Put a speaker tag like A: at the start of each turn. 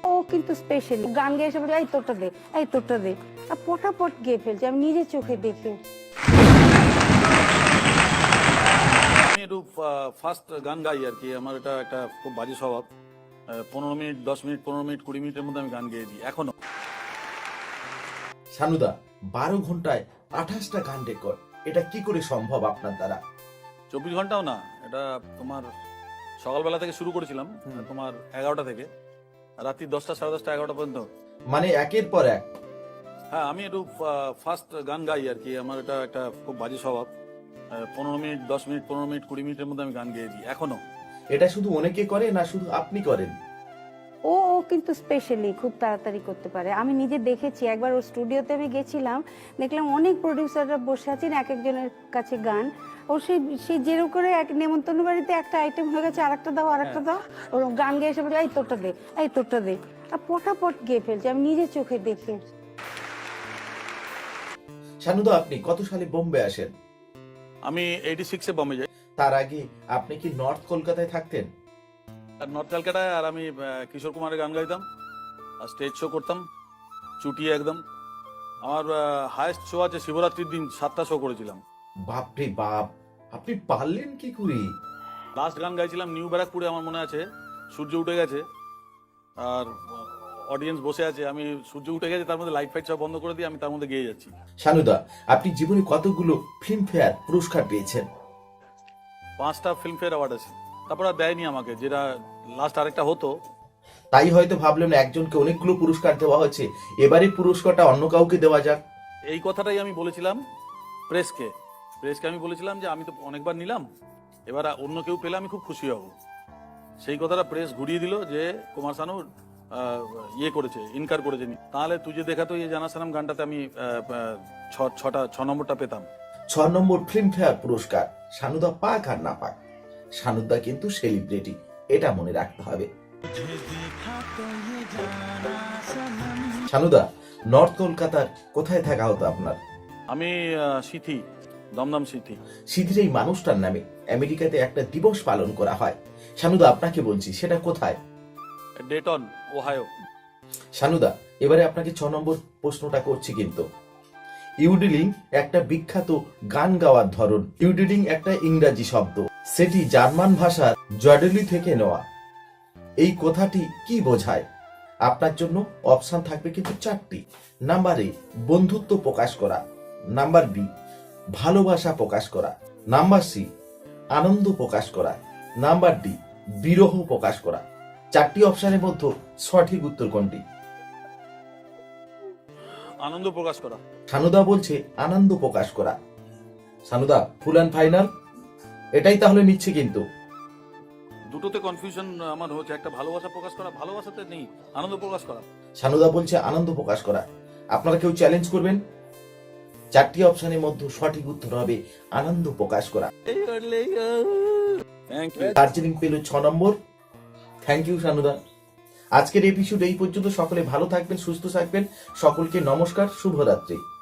A: ও কিন্তু স্পেশালি গান গেয়ে এসে বলে এই তোরটা দে, এই তোরটা দে, আর পটাপট গেয়ে ফেলছে, আমি নিজের চোখে দেখে।
B: আমি একটু ফার্স্ট গান গাই আর কি। আমার এটা একটা খুব বাজে স্বভাব। 15 মিনিট, 10 মিনিট, 15 মিনিট, 20 মিনিটের মধ্যে আমি গান গেয়ে দিই এখনো।
C: সানুদা 12 ঘন্টায় 28টা গান রেকর্ড, এটা কি করে সম্ভব আপনার দ্বারা?
B: 24 ঘন্টাও না, এটা তোমার সকালবেলা থেকে শুরু করেছিলাম, তোমার 11টা থেকে রাত্রি 10টা, 10:30, 11টা পর্যন্ত।
C: মানে একের পর এক?
B: হ্যাঁ, আমি একটু ফার্স্ট গান গাই আর কি। আমার এটা একটা খুব বাজে স্বভাব। 15 মিনিট, 10 মিনিট, 15 মিনিট, 20 মিনিটের মধ্যে আমি গান গেয়ে দিই এখনো।
C: এটা শুধু অনেকে করে না শুধু আপনি করেন?
A: ও কিন্তু স্পেশালি খুব তাড়াতাড়ি করতে পারে। আমি নিজে দেখেছি, একবার ওর স্টুডিওতে আমি গেছিলাম, দেখলাম অনেক প্রডিউসাররা বসে আছেন, এক একজনের কাছে গান। ও সেই যেরকম করে এক নেমন্তন্ন বাড়িতে একটা আইটেম হয়ে গেছে, আরেকটা দাও, আরেকটা দাও, ওর গান গেয়ে এসে বলে এই তোরটা দে, এই তোরটা দে, আর পটাপট গেয়ে ফেলছে, আমি নিজের চোখে দেখে।
C: সানুদা আপনি কত সালে বোম্বে আসেন?
B: আমি 86-এ বম্বে যাই।
C: তার আগে আপনি কি নর্থ কলকাতায় থাকতেন?
B: আর নর্থ ক্যালকাটায়, আর আমি কিশোর কুমারের গান গাইতাম আর স্টেজ শো করতাম চুটিয়ে একদম। আমার হায়েস্ট শো আছে শিবরাত্রির দিন, 7টা শো করেছিলাম।
C: বাপরে বাপ, আপনি পারলেন কি করে?
B: লাস্ট গান গাইছিলাম নিউ ব্যারাকপুরে, আমার মনে আছে। সূর্য উঠে গেছে আর অডিয়েন্স বসে আছে, আমি সূর্য উঠে গেছে, তার মধ্যে লাইট ফাইট সব বন্ধ করে দিয়ে আমি তার মধ্যে গেয়ে যাচ্ছি।
C: সানুদা আপনি জীবনে কতগুলো ফিল্মফেয়ার পুরস্কার পেয়েছেন?
B: 5টা ফিল্মফেয়ার অ্যাওয়ার্ড আছে। তারপর আর দেয়নি আমাকে, যেটা লাস্ট আরেকটা হতো।
C: তাই হয়তো ভাবলেন একজনকে অনেকগুলো পুরস্কার দেওয়া হয়েছে, এবারে পুরস্কারটা অন্য কাউকে দেওয়া যাক।
B: এই কথাটাই আমি বলেছিলাম প্রেসকে। আমি বলেছিলাম যে আমি তো অনেকবার নিলাম, এবার অন্য কেউ পেলে আমি খুব খুশি হব। সেই কথাটা প্রেস ঘুরিয়ে দিল যে কুমার শানু ইয়ে করেছে, ইনকার করেছে। তাহলে তুই যে দেখা তো এই জানা সালাম গানটাতে আমি 6 নম্বরটা পেতাম।
C: 6 নম্বর ফিল্মফেয়ার পুরস্কার সানুদা পাক আর না পাক, সানুদা কিন্তু সেলিব্রিটি, এটা মনে রাখতে হবে। সানুদা নর্থ কলকাতার কোথায় থাকা হতো আপনার?
B: আমি সিথি, দমদম সিথি।
C: সিথির এই মানুষটার নামে আমেরিকাতে একটা দিবস পালন করা হয়। সানুদা আপনাকে বলছি, সেটা কোথায়?
B: Dayton, Ohio.
C: সানুদা এবারে আপনাকে 6 নম্বর প্রশ্নটা করছি কিন্তু। ইউডিলিং একটা বিখ্যাত গান গাওয়ার ধরন। ইউডিলিং একটা ইংরাজি শব্দ, সেটি জার্মান ভাষার জডেলি থেকে নেওয়া। এই কথাটি কি বোঝায়? আপনার জন্য অপশন থাকবে কিন্তু 4টি। নাম্বার এ বন্ধুত্ব প্রকাশ করা, নাম্বার বি ভালোবাসা প্রকাশ করা, নাম্বার সি আনন্দ প্রকাশ করা, নাম্বার ডি বিরহ প্রকাশ করা। 4টি অপশনের মধ্যে সঠিক উত্তর কোনটি?
B: আনন্দ প্রকাশ করা।
C: সানুদা বলছে আনন্দ প্রকাশ করা। সানুদা ফুল অ্যান্ড ফাইনাল এটাই তাহলে নিচ্ছে কিন্তু?
B: দুটোতে কনফিউশন আমার হচ্ছে। একটা ভালোবাসা প্রকাশ করা, ভালোবাসাতে নেই, আনন্দ প্রকাশ করা।
C: সানুদা বলছে আনন্দ প্রকাশ করা। আপনারা কেউ চ্যালেঞ্জ করবেন? 4টি অপশনের মধ্যে সঠিক উত্তর হবে আনন্দ প্রকাশ করা।
B: Thank you.
C: দার্জিলিং পেল 6 নম্বর। Thank you সানুদা। আজকের এপিসোড এই পর্যন্ত। সকলে ভালো থাকবেন, সুস্থ থাকবেন। সকলকে নমস্কার, শুভরাত্রি।